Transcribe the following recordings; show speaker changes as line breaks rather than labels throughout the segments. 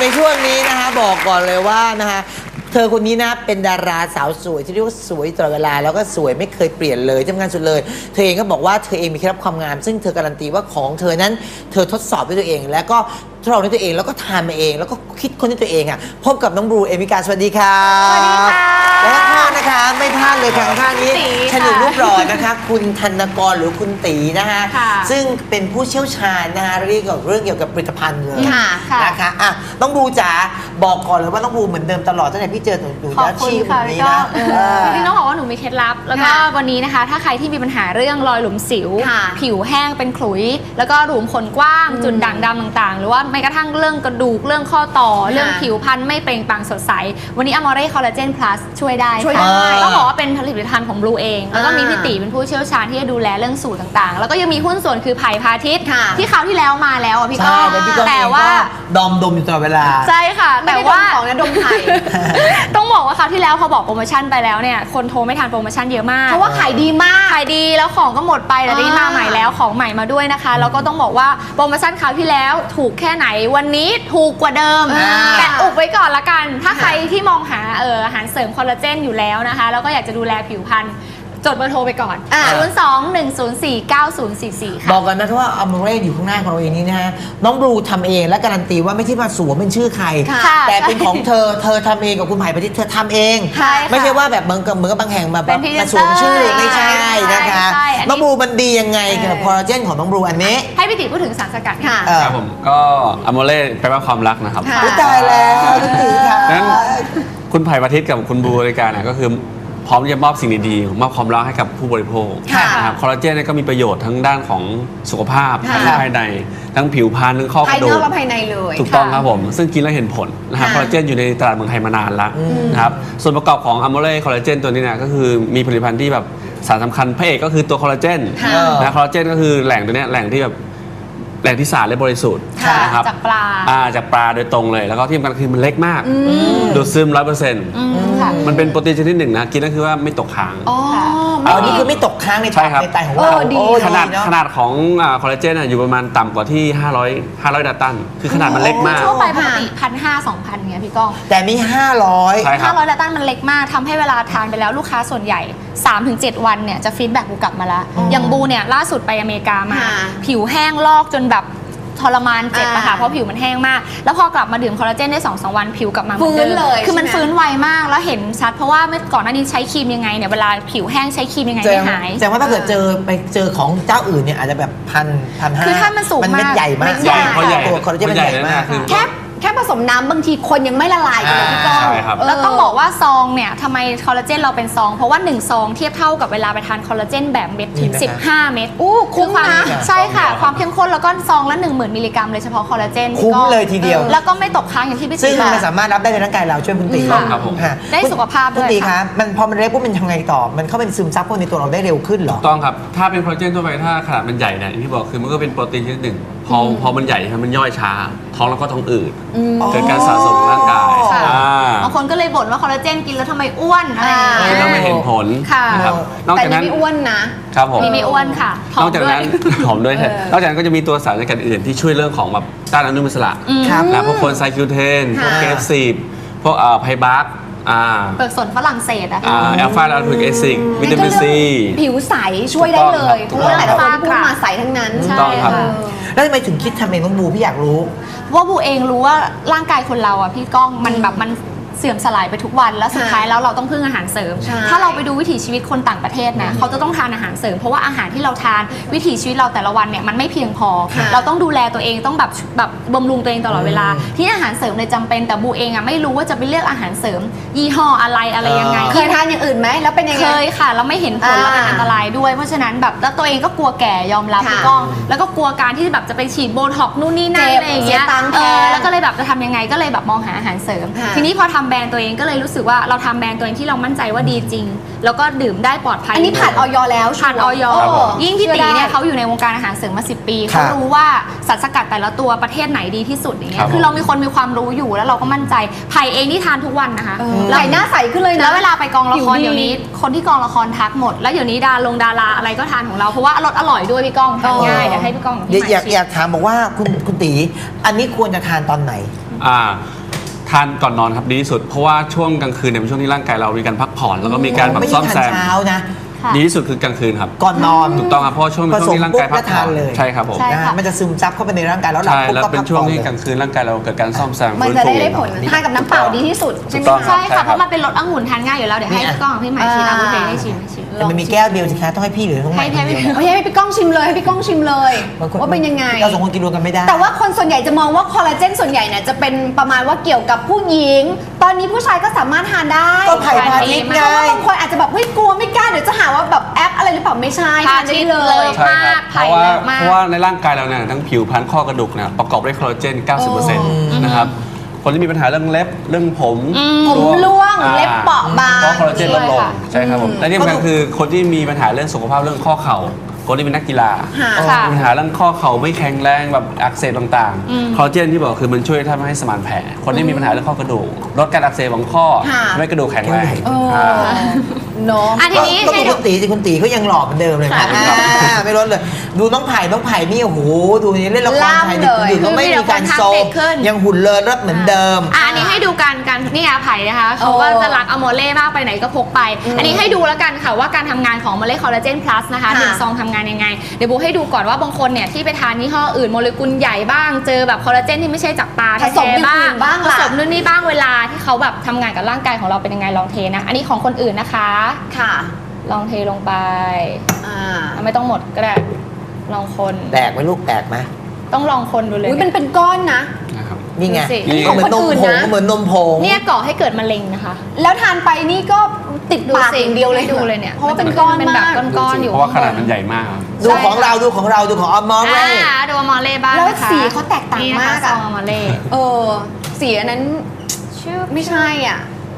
ในช่วงนี้นะคะบอกก่อนเลยว่านะคะเธอคนนี้นะเป็นดาราสาวสวยที่เรียกว่าสวยตลอดเวลาแล้วก็สวยไม่เคยเปลี่ยนเลยที่สำคัญสุดเลยเธอเองก็บอกว่าเธอเองมีเคล็ดลับความงามซึ่งเธอการันตีว่าของเธอนั้นเธอทดสอบด้วยตัวเองแล้วก็ทดลองด้วยตัวเองแล้วก็ทานมาเองแล้วก็คิดค้นด้วยตัวเองอ่ะพบกับน้องบลูเอมิกาสวัสดีค่ะสวัสดีค่ะและข้างนะคะไม่พลาดเลยค่ะข้างนี้ชนิดรูปหล่อนะคะคุณธนกรหรือคุณตีนะคะซึ่งเป็นผู้เชี่ยวชาญนะคะเรื่องเกี่ยวกับผลิตภัณฑ์เลยนะคะอ่ะน้องบลูจ๋าบอกก่อนเลยว่าน้องบลูเหมือนเดิมตลอดตั้งแต่พี่เจอหนูจะชีพแบบนี้นะ
พี่น้องบอกว่าหนูมีเคล็ดลับแล้วก็วันนี้นะคะถ้าใครที่มีปัญหาเรื่องรอยหลุมสิวผิวแห้งเป็นขลุยแล้วก็หลุมขนกว้างจุดด่างดำต่างๆหรือว่าแม้กระทั่งเรื่องกระดูกเรื่องข้อต่อเรื่องผิวพรรณไม่เปล่งปลั่งสดใสวันนี้ Amore Collagen Plus ช่วยได้ต้องบอกว่าเป็นผลิตภัณฑ์ของบลูเองแล้วก็มีพี่ตีเป็นผู้เชี่ยวชาญที่จะดูแลเรื่องสูตรต่างๆแล้วก็ยังมีหุ้นส่วนคือไผ่พาทิตย์ที่คราวที่แล้วมาแล้วอ่ะพี่ก้องแต่ว่า
ดมอยู่ตลอดเวลา
ใช่ค่ะแต่ว่าของนะดมไผ่ต้องบอกว่าคราวที่แล้วเขาบอกโปรโมชั่นไปแล้วเนี่ยคนโทรไม่ทันโปรโมชั่นเยอะมาก
เพราะว่าขายดีมาก
ขายดีแล้วของก็หมดไปแต่นี่มาใหม่แล้วของใหม่มาด้วยนะคะแล้วก็ต้องบอกว่าโปรโมชั่นคราวที่แล้วถูกแค่ไหนวันนี้ถูกกว่าเดิมแต่อุบไว้ก่อนละกันถ้าใครที่มองหาอาหารเสริมคอลลาเจนอยู่แล้วนะคะแล้วก็อยากจะดูแลผิวพรรณจดเบอร์โทรไปก่อน02-104-9044ค่ะ
บอกกันนะว่าอัมเรอยู่ข้างหน้าของเราเองนี้นะฮะน้องบลูทำเองและการันตีว่าไม่ใช่มาสวมเป็นชื่อใครแต่เป็นของเธอทำเองกับคุณไผ่พาทิตย์เธอทำเองไม่ใช่ว่าแบบเหมือนกับบางแห่งมาสวมชื่อไม่ใช่นะคะน้องบลูมันดียังไงกับคอลลาเจนของน้องบลูอันนี้
ให้พี่ติ๋พูดถึงสารสกัดค่ะ
ครับผมก็อัมเรแปลว่าความรักนะครับ
ตายแล้วคุณติ๋ค่ะ
นั้นคุณไผ่พาทิตย์กับคุณบลูรายการก็คือพร้อมจะมอบสิ่งดีๆมอบความรักให้กับผู้บริโภคนะครับคอลลาเจนก็มีประโยชน์ทั้งด้านของสุขภาพทั้งภายในทั้งผิวพรรณทั้งข้อกระดูก
ภายนอกและภายในเลย
ถูกต้องครับผมซึ่งกินแล้วเห็นผลนะครับคอลลาเจนอยู่ในตลาดเมืองไทยมานานแล้วนะครับส่วนประกอบของอัมโมเล่คอลลาเจนตัวนี้เนี่ยก็คือมีผลิตภัณฑ์ที่แบบสารสำคัญพระเอกก็คือตัวคอลลาเจนนะคอลลาเจนก็คือแหล่งตัวนี้แหล่งที่แบบแหล่งที่สะอาดและบริสุทธิ์
นะครับจากปลา
จากปลาโดยตรงเลยแล้วก็ที่สำคัญคือมันเล็กมากดูดซึม 100%มันเป็นโปรตีนชนิดหนึ่งนะกินแล้วคือว่าไม่ตกค้าง
อันนี้คือไม่ตกค้างในไตของเรา
ขนาดของคอลลาเจนอยู่ประมาณต่ำกว่าที่500ดัตตันคือขนาดมันเล็กมาก
ทั่วไปปกติ1,500-2,000เนี่ยพี่ก้อง
แต่มี500
ดัตตันมันเล็กมากทำให้เวลาทานไปแล้วลูกค้าส่วนใหญ่ 3-7 วันเนี่ยจะฟีดแบ็กกูกลับมาแล้วอย่างบูเนี่ยล่าสุดไปอเมริกามาผิวแห้งลอกจนแบบทรมานเจ็บอะค่ะเพราะผิวมันแห้งมากแล้วพอกลับมาดื่มคอลลาเจนได้ 2-3 วันผิวกลับมา
ฟื้นเลย
คือมันฟื้นไวมากแล้วเห็นชัดเพราะว่าก่อนหน้านี้ใช้ครีมยังไงเนี่ยเวลาผิวแห้งใช้ครีมยังไงไม่หาย
แต่ว่าถ้าเกิดไปเจอของเจ้าอื่นเนี่ยอาจจะแบบ1,500
คือถ้ามันสูงมาก
มันใหญ่มากตัวคอลลาเจนมันใหญ่มาก
แค่ผสมน้ำบางทีคนยังไม่ละลายกันเลยพี่ก้อง
แล้วต้องบอกว่าซองเนี่ยทำไมคอลลาเจนเราเป็นซองเพราะว่า1ซองเทียบเท่ากับเวลาไปทานคอลลาเจนแบบเม็ดถึง15 เม็ด
คุ้มนะ
ใช่ค่ะความเข้มข้นแล้วก็ซองละ10,000 มิลลิกรัมเลยเฉพาะคอลลาเจน
คุ้มเลยทีเดียว
แล้วก็ไม่ตกค้างอย่างที่พี่
ตีซึ่งมันสามารถรับได้ในร่างกายเราช่วยคุณตี
ได้สุขภาพด้วย
คุณตีคะมันพอมันเล็กปุ๊บมันทำไงต่อมันเข้าเป็นซึมซับพวกในตัวเราได้เร็วขึ้นหรอ
ต้องครับถ้าเป็นคอลลาเจนทั่วไปถ้าขนาดมันใหญ่เนี่ยที่บอกคือมันก็เป็นโปรตีนชนิดหนึ่งพอมันใหญ่มันย่อยช้าท้องแล้วก็ท้องอืดเกิดการสะสมร่างกาย
บางคนก็เลยบ่นว่าคอลลาเจนกินแล้วทำไมอ้วนอะไร
แล้วไม่เห็นผล
นะครับ
นอกจากนั้น
ไม่อ้วนนะครับ
ผม
ไม่อ้วนค่ะ
นอกจากนั้นหอมด้วยนอกจากนั้นก็จะมีตัวสารสกัดอื่นที่ช่วยเรื่องของแบบต้านอนุมูลอิสระนะพวกโคนไซคิวเทนพวกเกฟซีดพวกไพบาร์
เปลือกสนฝรั่งเศส
แอลฟาลาทูเอซิกวิตามินซี
ผิวใสช่วยได้เลยทุกเรื่องแต่ละคนพูดมาใสทั้งนั้น
ใช่ค่ะ
แล้วทำไมถึงคิดทำเองน้องบูพี่อยากรู้
ว่าบูเองรู้ว่าร่างกายคนเราอ่ะพี่ก้องมันแบบมันเสื่อมสลายไปทุกวันแล้วสุดท้ายแล้วเราต้องพึ่งอาหารเสริมถ้าเราไปดูวิถีชีวิตคนต่างประเทศนะเขาจะต้องทานอาหารเสริมเพราะว่าอาหารที่เราทานวิถีชีวิตเราแต่ละวันเนี่ยมันไม่เพียงพอเราต้องดูแลตัวเองต้องแบบบำรุงตัวเองตลอดเวลาที่อาหารเสริมเลยจำเป็นแต่บูเองอ่ะไม่รู้ว่าจะไปเลือกอาหารเสริมยี่ห้ออะไรยังไง
เคยทานอย่างอื่นไหมแล้วเป็นยังไง
เคยค่ะแล้วไม่เห็นผลแล้วเป็นอันตรายด้วยเพราะฉะนั้นแบบแล้วตัวเองก็กลัวแก่ยอมรับพี่ก้องแล้วก็กลัวการที่แบบจะไปฉีดโบท็อกนู่นนี่นั่นอะไรอย่างเงี้ยแล้วก็เลยแบบจะทำยังไงก็เลยแบบมองหาอาหารเสริมทีนี้พอทำแบรนด์ตัวเองก็เลยรู้สึกว่าเราทำแบรนด์ตัวเองที่เรามั่นใจว่าดีจริงแล้วก็ดื่มได้ปลอดภัย
อันนี้ผ่านออยแล้ว
ผ่านออยยิ่งพี่ตีเนี่ยเขาอยู่ในวงการอาหารเสริมมา10 ปีเขารู้ว่าสารสกัดแต่ละตัวประเทศไหนดีที่สุดอย่างเงี้ยคือเรามีคนมีความรู้อยู่แล้วเราก็มั่นใจไผ่เองที่ทานทุกวันนะคะ
ไผ่หน้าใสขึ้นเลยนะ
แล้วเวลาไปกองละครเดี๋ยวนี้คนที่กองละครทักหมดแล้วเดี๋ยวนี้ดาราอะไรก็ทานของเราเพราะว่ารสอร่อยด้วยพี่ก้องทานง่ายเดี๋ยวให้พี่ก้อง
อยากถามบอกว่าคุณตีอันนี้ควรจะทานตอนไหน
ทานก่อนนอนครับดีที่สุดเพราะว่าช่วงกลางคืนเนี่ยเป็นช่วงที่ร่างกายเรามีการพักผ่อนแล้วก็มีการแบบ
ไม่
ซ่
ใช่
อม
ทาน
แซม
เช้านะ
ดีที่สุดคือกลางคืนครับ
ก่อนนอน
ถูกต้องครับเพราะช่วงเป็นช่วงที่ร่างกายพักผ่อนใช่ครับผม
ใช่
นะมันจะซึมซับเข้าไปในร่างกายแล้วหลับ
ใช่
ปุ๊บ
แล้ว
ก็
เป็
พั
น
ก
ช่ว
ผ่
ง
อน
ที่
เลย
กลางคืนร่างกายเราเกิดการซ่อมแซม
มัน
ฟื้น
จะ
ฟู
ได้ผลทานกับน้ำเปล่าดีที่สุดใช่ไหม
ถูกต้อง
คะ
ใช่ค่ะ
ใช่ครับ
เพราะมันเป็นรสองุ่นทานง่ายอยู่แล้วเดี๋ยวให้พี่ก้องพี่ใหม่ชิมบุฟเฟ่ให้ชิม
แต่มันมีแก้วเดียวสิคะต้องให้พี่หรือต้องใหม่
ให้
คนเดียว
โอเคให้พี่ก้องชิมเลยให้พี่ก้องชิมเลย
บางคน
ว่าเป็นยังไง
เราสองคนกินรวมกันไม่ได้
แต่ว่าคนส่วนใหญ่จะมองว่าคอลลาเจนส่วนใหญ่เนี่ยจะเป็นประมาณว่าเกี่ยวกับผู้หญิง ตอนนี้ผู้ชายก็สามารถทานได้
ก็ไผ่พาทิตย์
เพ
ไง
ราะว่าบางคนอาจจะแบบเฮ้ยกลัวไม่กล้าเดี๋ยวจะหาว่าแบบแอปอะไรหรือเปล่าไม่ใช่ทานได้เลย
ใช่ครับ
ไผ่
เพราะว่า
เลิศมาก
เพราะว่าในร่างกายเราเนี่ยทั้งผิวพรรณข้อกระดูกเนี่ยประกอบด้วยคอลลาเจน 90%นะครับคนที่มีปัญหาเรื่องเล็บเรื่องผม
ผมร่วงเล็บเปราะบาง
เพราะคอลลาเจนลดลง
ใช่ค่ะ
ใช่ครับผมและที่สำคัญคือคนที่มีปัญหาเรื่องสุขภาพเรื่องข้อเข่าคนที่เป็นนักกีฬา
ค่ะ
มีปัญหาเรื่องข้อเข่าไม่แข็งแรงแบบอักเสบต่างๆคอลลาเจนที่บอกคือมันช่วยทำให้สมานแผลคนที่มีปัญหาเรื่องข้อกระดูกลดการอักเสบของข้อ
ค่ะ
ทำให้กระดูกแข็งแรง
เนาะ
อ่ะทีนี้
ก็
ให้
ดู
ดู
คุณตีสิคุณตีเขายังหล่อเหมือนเดิมเลยนะไม่ลดเลย ดูน้องไผ่นี่โอ้โหดูนี่เล่นละครไทยหยุดก็ไม่มีการโซมยังหุ่นเลิศรสเหมือนเดิม
อันนี้ให้ดูการนี่ไผ่นะคะเขาก็จะรักอโมเล่มากไปไหนก็พกไป อันนี้ให้ดูแล้วกันค่ะว่าการทำงานของอโมเล่คอลลาเจนพลัสนะคะ1ซองทำงานยังไงเดี๋ยวบูให้ดูก่อนว่าบางคนเนี่ยที่ไปทานยี่ห้ออื่นโมเลกุลใหญ่บ้างเจอแบบคอลลาเจนที่ไม่ใช่จากปลา
ผสม
แท้ๆบ้าง
บ้าง
ผ
ล่ะ
สมนู่นนี่บ้างเวลาที่เขาแบบทำงานกับร่างกายของเราเป็นยังไงลองเทนะอันนี้ของคนอื่นนะคะ
ค่ะ
ลองเทลงไป
อ่า
ไม่ต้องหมดก็ได้ลองคน
แตกไหมลูกแตกไหม
ต้องลองคนดูเลย
อุ้ยมันเป็นก้อนนะ
นะครับ
นี่ไง
ดูสิ
ก็เหมือนนมผงเหมือนนมผง
เนี่ยก่อให้เกิดมะเร็งนะคะ
แล้วทานไปนี่ก็ติดปาก
สิ
อย่างเดียวเลย
ดูเลยเนี่ย
เพราะว่าเป็นก้อน
เป็นแบ
มา
บ
ก
ก้อนๆอยู่
เพราะว่าขนาดมันใหญ่มากครับ
ดูของเราดูของอมอเร่
ดูอมอเล่บ้าง
แล้ว
นะคะ
สีเขาแตกต่าง
นี่นะคะ
มาก
ซ
อะ
องอมอเล่
เออสีอันนั้นไม่ใช่อ่ะ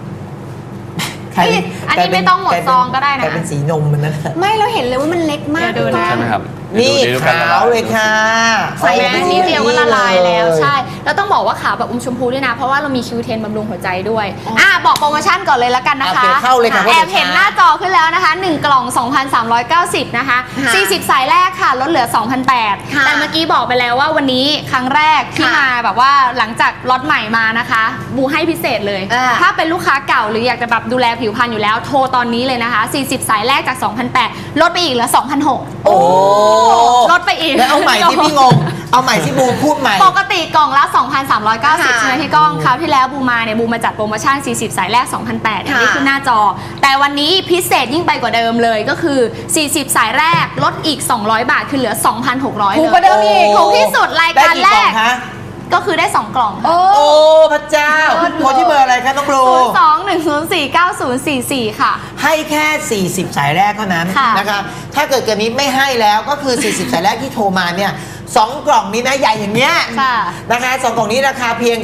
อันนี้ไม่ต้องหมดซองก็ได้นะ
กลายเป็นสีนมมันนั่น
ไม่เราเห็นเลยว่ามันเล็กมาก
เดี๋ยวดูนะ
ใช่ไหมครับ
นี่
เดี๋ยวดูกั
ขาวเลยค่ะ
ใส่แม่นิดเดียวก็ละลายแล้ว
เย
ใช่แล้วต้องบอกว่าขาวแบบอมชมพูด้วยนะ เพราะว่าเรามีคิวเทนบำรุงหัวใจด้วยบอกโปรโมชั่นก่อนเลยละกันนะคะ
โอเคเข้าเลยค่ะ
แอบเห็นหน้าจอขึ้นแล้วนะคะ1กล่อง 2,390 นะคะ
ค่ะ
40 สายแรกค่ะลดเหลือ 2,800
ค่ะ
แต่เมื่อกี้บอกไปแล้วว่าวันนี้ครั้งแรกที่
ค่ะ
มาแบบว่าหลังจากล็อตใหม่มานะคะบูให้พิเศษเลย ถ้าเป็นลูกค้าเก่าหรืออยากจะแบบดูแลผิวพรรณอยู่แล้วโทรตอนนี้เลยนะคะ40 สายแรกจาก 2,800 ลดไปอีกเหลือ 2,600
โอ้
ลดไปอีก
แล้วเอาใหม่ที่พี่งง เอาใหม่ที่บูพูดใหม่
ปกติกล่องละ 2,390 ใช่ไหมพี่ก้องคราวที่แล้วบูมาเนี่ยบูมาจัดโปรโมชั่น 40 สายแรก 2,800อันนี้ขึ้นหน้าจอ แต่วันนี้พิเศษยิ่งไปกว่าเดิมเลยก็คือ 40 สายแรกลดอีก 200 บาทคือเหลือ 2,600
ถูกกว่าเดิมอีก
ถูกที่สุดรายการแร
ได้
ก
ล่องคะ
ก็คือได้ 2 กล่อง
โอ้
โอ้พระเจ้าโทรที่เบอร์อะไรคะน้องบลู
02-104-9044 ค่ะ
ให้แค่ 40 สายแรกเท่านั้น
ค่ะ
นะคะ ถ้าเกิดเกินนี้ไม่ให้แล้วก็คือ 40 สายแรกที่โทรมาเนี่ย2กล่องนี้นะใหญ่อย่างเงี้ย
ค่ะ
นะคะ2กล่องนี้ราคาเพียง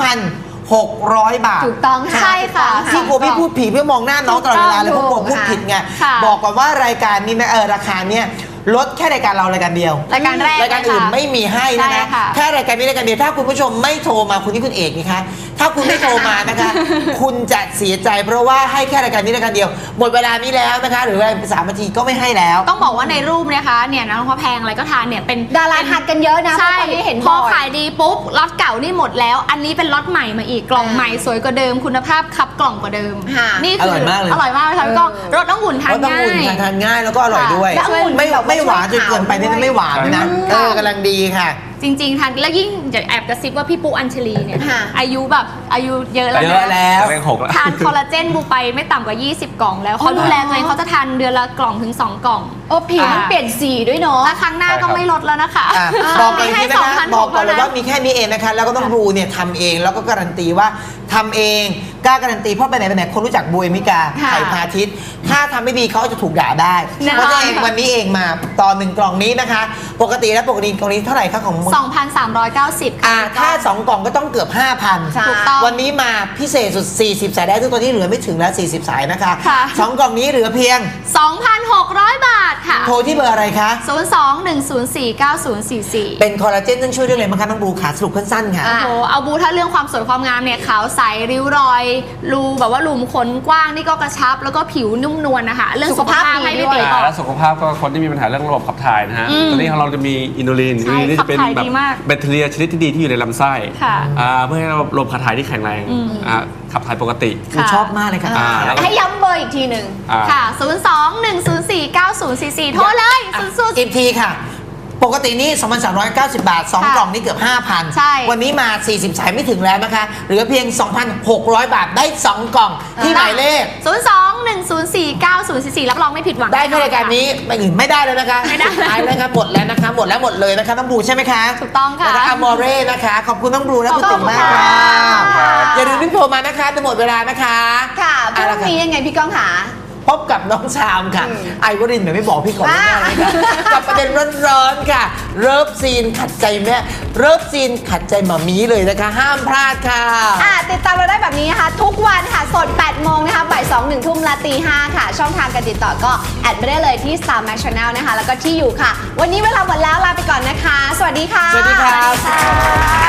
2,600 บาท
ถูกต้องค่ะ
ใช่ค่ะ
ที่กลัวพี่พูดผิดเพื่อมองหน้าน้องตลอดเวลาเลยเพราะกลัวพูดผิดไง
ค่ะ
บอกก่อนว่ารายการนี้นะราคาเนี่ยลดแค่รายการเรารายการเดียว
รายการแรก
รายการอื่นไม่มีให้นะ
ใช่
คะ
ค่ะ
แค่รายการนี้รายการเดียวถ้าคุณผู้ชมไม่โทรมาคุณนี่คุณเอกนี่คะถ้าคุณไม่โทรมานะคะ คุณจะเสียใจเพราะว่าให้แค่รายการนี้รายการเดียว หมดเวลานี้แล้วนะคะ หรือว่า3 นาทีก็ไม่ให้แล้ว
ต้องบอกว่าในรูปนะคะเนี่ยน้องพระแพงอะไรก็ทานเนี่ยเป็น
ดาราทานกันเยอะนะ
ใช่
เพราะตอนนี้เห็น
พอ
บ่อย
ขายดีปุ๊บล็อตเก่านี่หมดแล้ว อันนี้เป็นล็อตใหม่มาอีกกล่องใหม่สวยกว่าเดิมคุณภาพคับกล่องกว่าเดิม
ค่ะ
นี่คือ
ร่อยมากเลย
อร่อยมากเลยค่ะพี่ก้องรสน้องหุ่นทาน
เพราะต้อง
ง่า
อุ่น
ย
ทานง่ายแล้วก็อร่อยด้วย
และองุ่น
ไม่
แบบว่า
ไม่หวานจนเกินไปนี่ไม่หวานนะ
ค่ะ
กำลังดีค่ะ
จริงๆทานแล้วยิ่งจะแอบกระซิบว่าพี่ปุ๊อัญชลีเนี่ย
ค่ะ
อายุแบบอายุเยอะแล้ว
เย
นะ
อะแล้ว
เลข6แล้ว
ทานคอลลาเจนบูไปไม่ต่ำกว่า 20 กล่องแล้วเขาดูแลตัวเองเขาจะทานเดือนละกล่องถึง 2 กล่อง
โอ้ผิวมันเปลี่ยนสีด้วยเนาะ
และครั้งหน้าก็ไม่ลดแล้วนะคะ
บอกเลย
ให้
ที่นะคะบอกก่อนเลย
2,600
ว่ามีแค่นี้เองนะคะ แล้วก็ต้องบลูเนี่ยทำเองแล้วก็การันตีว่าทำเองกล้าการันตีเพราะไปไหนไปไหนคนรู้จักบูเอมิกา
ค่ะ
ไข่พาทิตย์ถ้าทำไม่ดีเขาจะถูกด่าได้
แน่นอน
เพราะฉะนั้นวันนี้เองมาต่อ1กล่องนี้นะคะ ปกติกล่องนี้เท่าไหร่คะของมึง
2,390 ค่ะ
ถ้า2กล่องก็ต้องเกือบ 5,000
ถูกต้อง
วันนี้มาพิเศษสุด40 สายได้ซึ่งตอนนี้เหลือไม่ถึงแล้ว40 สายนะคะ
ค่ะ
2กล่องนี้เหลือเพียง
2,600 บาทค่ะ
โทรที่เบอร์อะไรคะ
02-104-9044
เป็นคอลลาเจนซึ่งช่วยเรื่องอะไรบ้างคะน้องบลูขาสรุปสั้นๆค่ะ
โอ้โหเอาบูถ้าเรื่องความสวยความงามเนี่ยขาวใสใสริ้วรอยรูแบบว่าหลุมขนกว้างนี่ก็กระชับแล้วก็ผิวนุ่มนวลนะคะเรื่องสุขภาพให้ไม่ติดต่อ
และสุขภาพก็คนที่มีปัญหาเรื่องระบบขับถ่ายนะฮะตอนนี้ของเราจะมีอินูลิน
ใช่
นี่จะเป็น
ขับถ่าย
แบบ
ดีมาก
แบคทีเรียชนิดที่ดีที่อยู่ในลำไส้
ค่ะ
เพื่อให้ระบบขับถ่ายที่แข็งแรงขับถ่ายปกติ
หนูชอบมากเลยค่ะ
แล้วก็
ให้ย้ำเบอร์อีกทีหนึ่ง
ค่ะ 02-104-9044 โทรเลยสุด
อีกทีค่ะ ปกตินี่ 2,390 บาท 2 กล่องนี่เกือบ
ใช่
5,000 วันนี้มา 40 สายไม่ถึงแล้วนะคะ เหลือเพียง 2,600 บาทได้ 2 กล่องที่หมายเลข
02-104-9044 รับรองไม่ผิดหวัง
ได้ในรายการนี้ไม่อื่นไม่ได้แล้วนะคะ
ไม่ได้
ตายแล้วครับหมดแล้วนะคะหมดแล้วหมดเลยนะคะน้องบลูใช่ไหมคะ
ถูกต้องค่ะ
แล้วก็อมอเร่นะคะ ขอบคุณน้องบลูและคุณติ๋มมากค่ะ อย่าลืมรีบโทรมานะคะจะหมดเวลานะคะ
ค่ะพรุ่งนี้ยังไงพี่ก้องหา
พบกับน้องชามค่ะ ไอวรินทร์ไม่บอกพี่ก่อนแน่เลยค่ะกับประเด็นร้อนๆค่ะ เลิฟซีนขัดใจแม่เลิฟซีนขัดใจหมามีเลยนะคะ ห้ามพลาดค่ะ
ติดตามเราได้แบบนี้นะคะทุกวันค่ะสด 8 โมงนะคะบ่าย 2 1 ทุ่มและตี 5 ค่ะ ช่องทางการติดต่อก็แอดไปได้เลยที่ Star Max Channel นะคะ แล้วก็ที่อยู่ค่ะ วันนี้เวลาหมดแล้วลาไปก่อนนะคะ สวัสดีค่ะ
สวัสดีครับ